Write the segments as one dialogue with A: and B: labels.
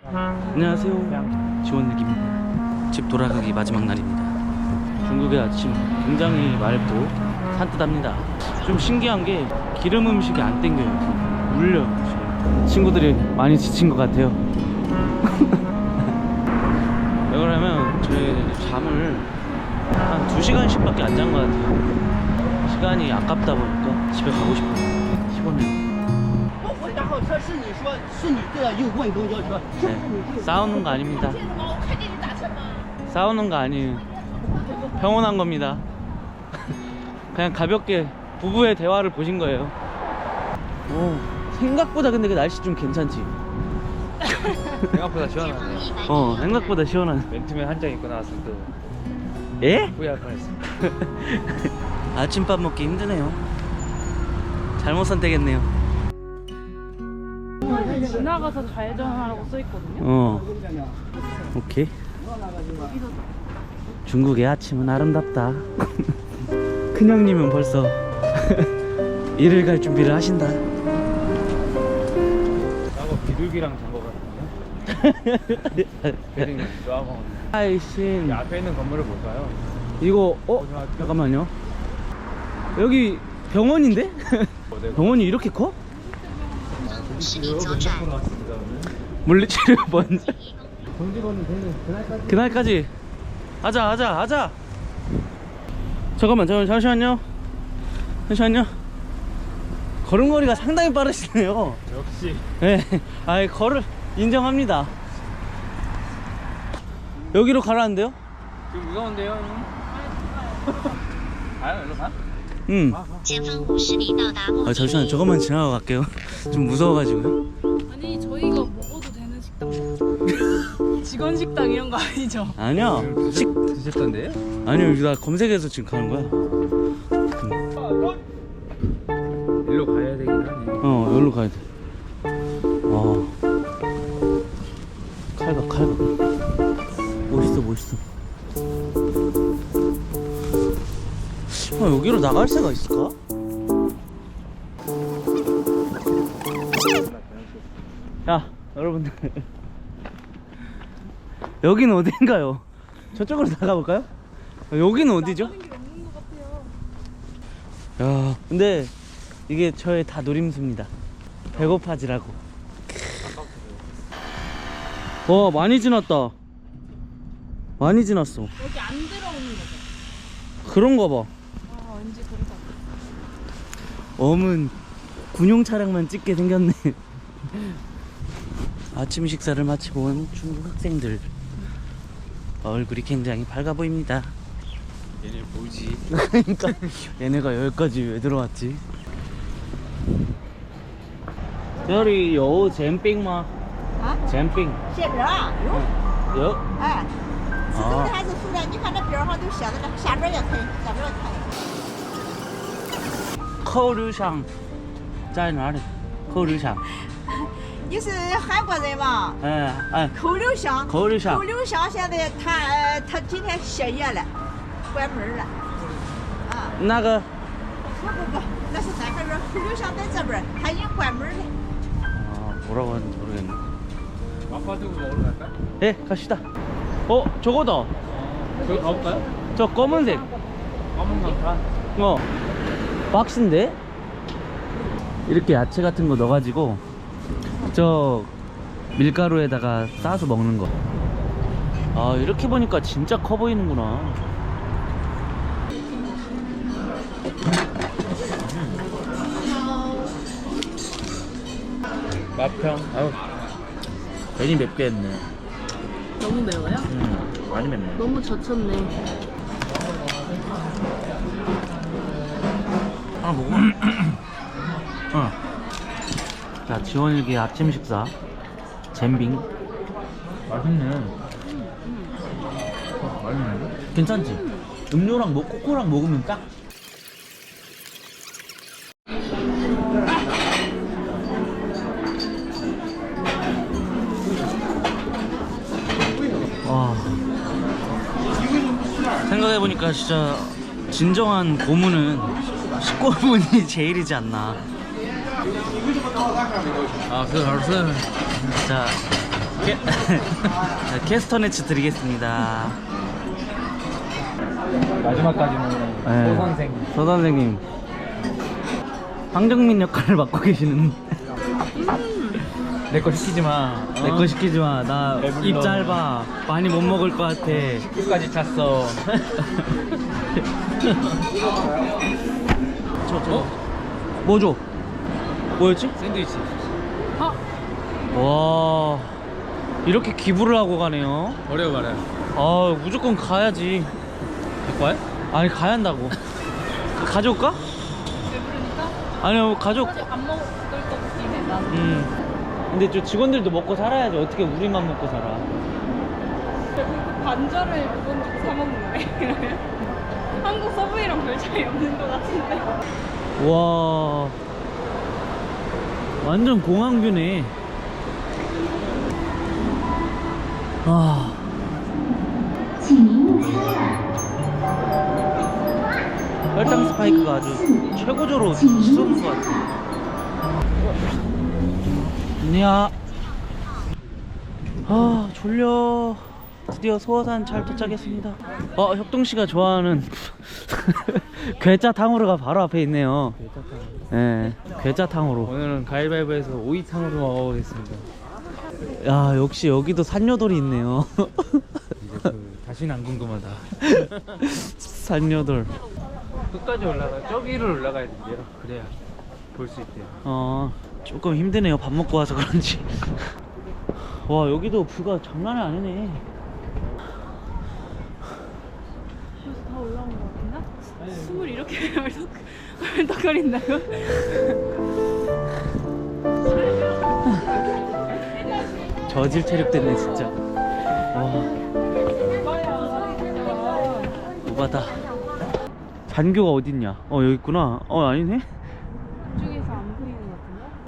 A: 안녕하세요, 지원일기입니다. 집 돌아가기 마지막 날입니다. 중국의 아침 굉장히 맑고 산뜻합니다. 좀 신기한 게 기름 음식이 안 땡겨요. 물려요 지금. 친구들이 많이 지친 것 같아요. 왜 그러면 저희 잠을 한 2시간씩 밖에 안 잔 것 같아요. 시간이 아깝다 보니까 집에 가고 싶어요. 피곤해요. 네, 싸우는 거 아닙니다. 싸우는 거 아니에요. 평온한 겁니다. 그냥 가볍게 부부의 대화를 보신 거예요. 오, 생각보다 근데 그 날씨 좀 괜찮지?
B: 생각보다 시원하네.
A: 생각보다 시원하네.
B: 맨투맨 한 장 입고 나왔으면 또
A: 예?
B: 후회할 뻔했어.
A: 아침밥 먹기 힘드네요. 잘못 선택했네요.
C: 지나가서 좌회전하라고 써있거든요.
A: 오케이. 중국의 아침은 아름답다. 큰형님은 벌써 일을 갈 준비를 하신다.
B: 나고 비둘기랑 잔거 같은데? 배딩 좋아하고.
A: 아이씨.
B: 앞에 있는 건물을 볼까요?
A: 이거 잠깐만요. 여기 병원인데? 병원이 이렇게 커? 물리치료 먼저. 정직원은 되는 그날까지 하자. 잠시만요. 걸음걸이가 상당히 빠르시네요.
B: 역시.
A: 네, 걸을 인정합니다. 여기로 가라는데요?
B: 지금 무서운데요, 형? 가요? 일로 가?
A: 응. 잠시만요. 저것만 지나가 갈게요. 좀 무서워가지고요.
C: 아니 저희가 먹어도 되는 식당 직원 식당 이런 거 아니죠?
A: 아니야.
B: 드셨던데요?
A: 아니요. 나 검색해서 지금 가는 거야.
B: 일로 가야 되긴 하네.
A: 여기로 가야 돼. 칼각. 멋있어. 여기로 나갈 새가 있을까? 야, 여러분들. 여기는 어딘가요? 저쪽으로 나가볼까요? 여기는 어디죠?
C: 나가는 게 없는 것 같아요.
A: 야, 근데 이게 저의 다 노림수입니다. 배고파지라고. 많이 지났다. 많이 지났어.
C: 여기 안 들어오는 거죠?
A: 그런가 봐.
C: 왠지 그래서.
A: 엄은 군용 차량만 찍게 생겼네. 아침 식사를 마치고 온 중국 학생들. 얼굴이 굉장히 밝아 보입니다.
B: 얘네 뭐지?
A: 그러니까 얘네가 여기까지 왜 들어왔지? 저리 요 잼빙 마.
D: 啊，
A: 잼빙.
D: 馅饼啊，有，
A: 요.
D: 哎，是蒸的还是熟的？你看这饼上都写着呢，下边也可以，下边也可以。
A: 扣留香在哪里？扣留香。
D: 你是韩国人吗？
A: 哎，
D: 口留香，
A: 口留香
D: 口留香现在他今天歇业了，关门了。啊，
A: 那个
D: 不，那是三合院，口留香在这边，他已经关门了。
A: 뭐라고 하는지 모르겠네.
B: 마파두부 먹으러 갈까?
A: 예, 갑시다. 저거다.
B: 저기 가볼까요?
A: 저 검은색.
B: 검은 강판.
A: 박스인데? 이렇게 야채 같은 거 넣어가지고 저 밀가루에다가 싸서 먹는 거. 이렇게 보니까 진짜 커 보이는구나. 맛평. 괜히 맵게 했네.
C: 너무 매워요?
A: 많이 맵네.
C: 너무 젖혔네.
A: 하나 먹어. 자, 지원일기 아침 식사 잼빙.
B: 맛있네. 맛있네.
A: 괜찮지? 음료랑 코코랑 먹으면 딱. 와, 생각해보니까 진짜 진정한 고문은 식고문이 제일이지 않나.
B: 아, 그거 알았어.
A: 자, 캐스터네츠 드리겠습니다.
B: 마지막까지는
A: 네.
B: 소 선생.
A: 서 선생님 황정민 역할을 맡고 계시는.
B: 내 거 시키지 마.
A: 내 거 시키지 마. 나
B: 배불러.
A: 입 짧아. 많이 못 먹을 것 같아.
B: 끝까지 찼어.
A: 저. 뭐 줘? 뭐였지?
B: 샌드위치.
A: 와, 이렇게 기부를 하고 가네요.
B: 어려워 말해.
A: 아, 무조건 가야지.
B: 갈 거야?
A: 아니, 가야 한다고. 가져올까?
C: 배부르니까
A: 아니요, 가족.
C: 사실 안 먹을 것 같긴 해 나는.
A: 근데 저 직원들도 먹고 살아야지. 어떻게 우리만 먹고 살아?
C: 반절을 그건 주고 사 먹는 거네. 한국 서브웨이랑 별 차이 없는 것 같은데.
A: 와, 완전 공항뷰네. 아, 혈당 스파이크가 아주 최고조로 치솟는 것 같아. 안녕. 아, 졸려. 드디어 소어산 잘 도착했습니다. 협동씨가 좋아하는 괴짜탕후루가 바로 앞에 있네요. 예, 괴짜탕후루.
B: 오늘은 가위바위보에서 오이탕으로 먹어보겠습니다.
A: 야, 역시 여기도 산요돌이 있네요.
B: 이제 다시는 안 궁금하다.
A: 산요돌.
B: 끝까지 올라가. 저기를 올라가야 된대요. 그래야 볼 수 있대요.
A: 조금 힘드네요. 밥 먹고 와서 그런지. 와, 여기도 뷰가 장난이 아니네.
C: 벌써 다 올라온 것 같은데? 숨을 이렇게 헐떡거린다고?
A: 저질 체력 됐네 진짜. 와, 오바다. 잔교가 어딨냐? 여기 있구나. 아니네.
C: 이쪽에서 안 보이는 것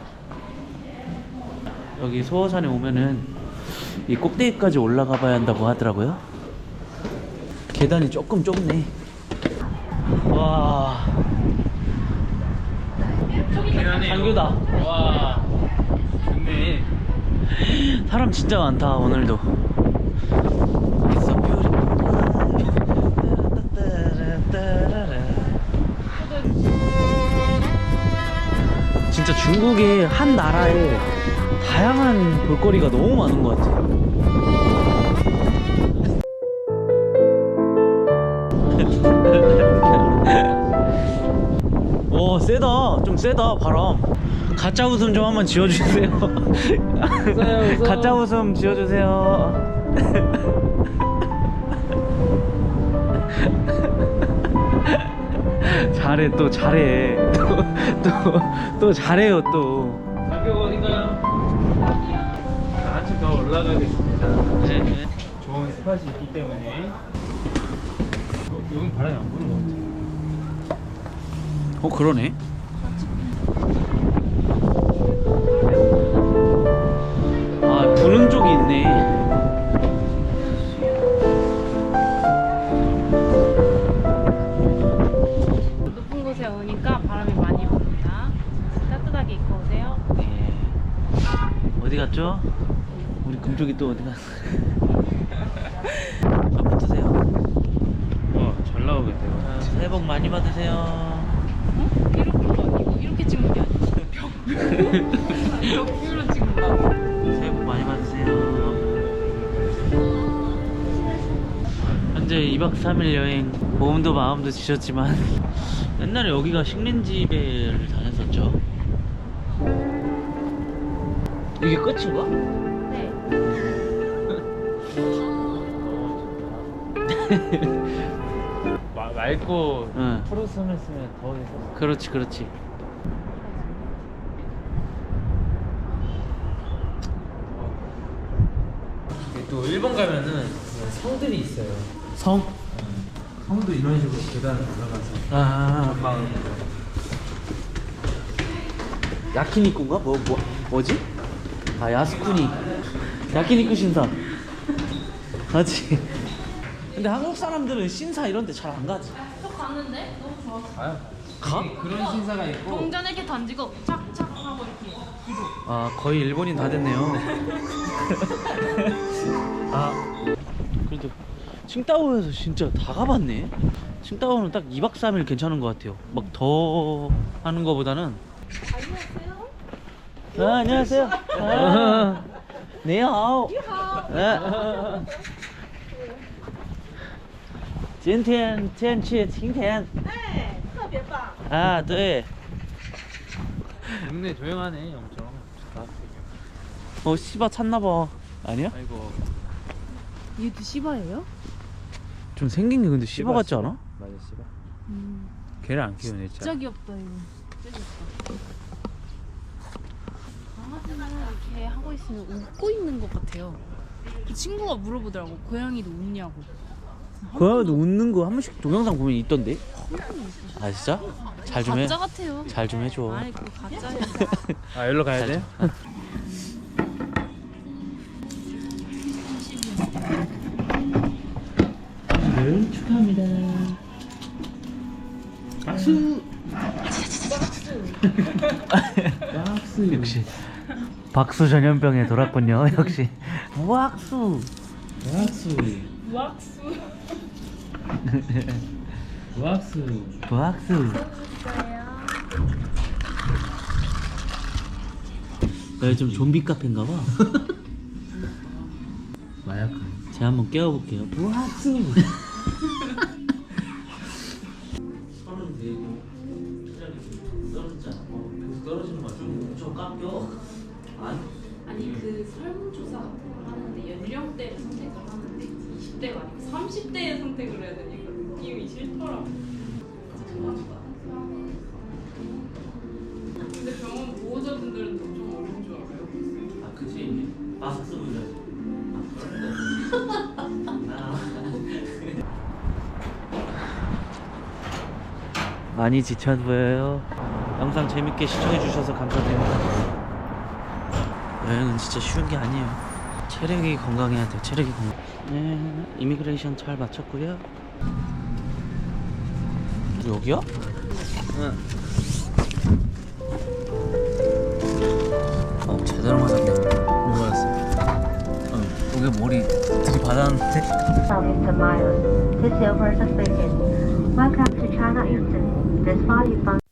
C: 같은데?
A: 여기 소어산에 오면은 이 꼭대기까지 올라가 봐야 한다고 하더라고요. 계단이 조금 좁네. 와, 잔교다.
B: 와, 좋네.
A: 사람 진짜 많다 오늘도. It's so beautiful. 진짜 중국의 한 나라에 다양한 볼거리가 너무 많은 것 같아요. 오, 세다. 좀 세다 바람. 가짜 웃음 좀 한번 지어주세요.
B: 웃어요.
A: 가짜 웃음 지어주세요. 잘해, 또 잘해. 또 잘해요 또.
B: 가격 어딘가요? 자, 한층 더 올라가겠습니다.
A: 네.
B: 좋은 스팟이 있기 때문에. 여긴 바람이 안 부는 것 같아.
A: 그러네. 아, 부는 쪽이 있네.
C: 높은 곳에 오니까 바람이 많이 붑니다. 따뜻하게 입고 오세요.
A: 네. 어디 갔죠? 우리 금쪽이 또 어디 갔어? 붙으세요.
B: 잘 나오겠대요.
A: 새해 복 많이 받으세요.
C: 어? 이렇게가 아니고 이렇게 찍는 게 아니지. 벽으로 찍는다고?
A: 새해 복 많이 받으세요. 현재 2박 3일 여행, 몸도 마음도 지쳤지만 옛날에 여기가 식민지배를 다녔었죠. 이게 끝인가?
C: 네.
B: 맑고
A: 응.
B: 푸르스름을 쓰면 더 해서.
A: 그렇지, 그렇지.
B: 또 일본 가면은 성들이 있어요.
A: 성?
B: 성도 이런 식으로 계단을 올라가서
A: 아,
B: 마을.
A: 야키니쿠인가? 뭐지? 아, 야스쿠니. 야키니쿠 신사. 맞지? 근데 한국 사람들은 신사 이런 데 잘 안 가지.
C: 저 갔는데 너무 좋았어.
B: 가요.
A: 가?
B: 그런 신사가 있고
C: 동전 이렇게 던지고 착착 하고 이렇게
A: 아 거의 일본인 다 됐네요. 아 그래도 칭다오에서 진짜 다 가봤네. 칭다오는 딱 2박 3일 괜찮은 것 같아요. 막 더 하는 거보다는. 안녕하세요. 아, 니하오. 아. 今天天气晴天
D: 哎，特别棒。
A: 啊，对。
B: 동네 조용하네 엄청.
A: 어 씨바 찾나봐. 아니야?
B: 아이고.
C: 얘도 시바예요?
A: 좀 생긴 게 근데 씨바 같지 않아?
B: 맞아 씨바. 걔를 안 키우네 진짜.
C: 진짜 귀엽다 이거. 진짜 귀엽다. 강아지는 이렇게 하고 있으면 웃고 있는 것 같아요. 그 친구가 물어보더라고. 고양이도 웃냐고.
A: 고양이도 웃는 거 한 번씩 동영상 보면 있던데. 아 진짜? 잘 좀 해.
C: 가짜 같아요.
A: 잘 좀 해줘.
C: 아이 그거 가짜예요.
B: 아 여기로 가야 돼?
A: 네, 축하합니다. 박수. 박수. 역시 박수 전염병에 돌았군요. 역시 박수. 박수.
C: 왁스.
B: 박수.
A: 박수. 여기 좀 좀비 카페인가 봐.
B: 마약.
A: 제가 한번 깨워볼게요. 박수. 떨어지는 거좀 깎여.
C: 아니 그 설문조사 같은 거 하는데 연령대를 선택을 하는데 20대가 아니고 30대에 선택을 해야 되니까 느낌이 싫더라고. 근데 병원 보호자분들은 좀 어려운 줄 알아요.
A: 아 그치. 박수 불러야지. 많이 지쳐 보여요. 영상 재밌게 시청해 주셔서 감사드립니다. 여행은 진짜 쉬운 게 아니에요. 체력이 건강해야 돼요. 체력이 건강. 네, 이미그레이션 잘 마쳤고요. 여기야? 응. 제대로 맞았네. 뭐 맞았어? 목에 머리 들이받았는데.
E: Mr. Miles, this is your person speaking. Welcome to China Eastern. This flight is from